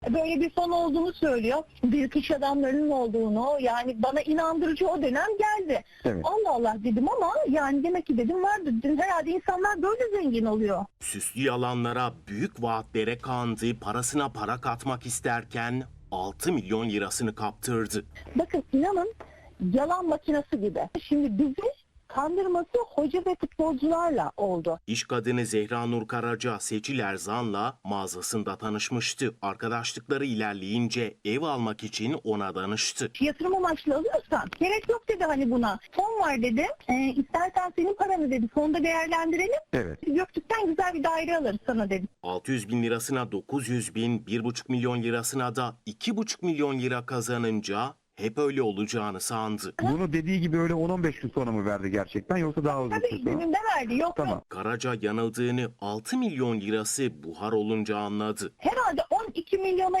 Böyle bir fon olduğunu söylüyor. Büyük iş adamlarının olduğunu, yani bana inandırıcı o dönem geldi. Evet. Allah Allah dedim ama yani demek ki dedim vardı. Dedim, herhalde insanlar böyle zengin oluyor. Süslü yalanlara, büyük vaatlere kandı, parasına para katmak isterken 6 milyon lirasını kaptırdı. Bakın inanın yalan makinesi gibi. Şimdi bizi kandırması hoca ve futbolcularla oldu. İş kadını Zehra Nur Karaca, Seçil Erzan'la mağazasında tanışmıştı. Arkadaşlıkları ilerleyince ev almak için ona danıştı. Yatırım amaçlı alıyorsan gerek yok dedi hani buna. Fon var dedi. İstersen senin paranı dedi. Fonda değerlendirelim. Evet. Göktürk'ten güzel bir daire alırız sana dedi. 600 bin lirasına 900 bin, 1,5 milyon lirasına da 2,5 milyon lira kazanınca hep öyle olacağını sandı. Bunu dediği gibi öyle 10-15 gün sonra mı verdi gerçekten yoksa daha uzun Tabii süre sonra? gününde verdi. Yok Tamam. yok. Karaca yanıldığını, 6 milyon lirası buhar olunca anladı. Herhalde 12 milyona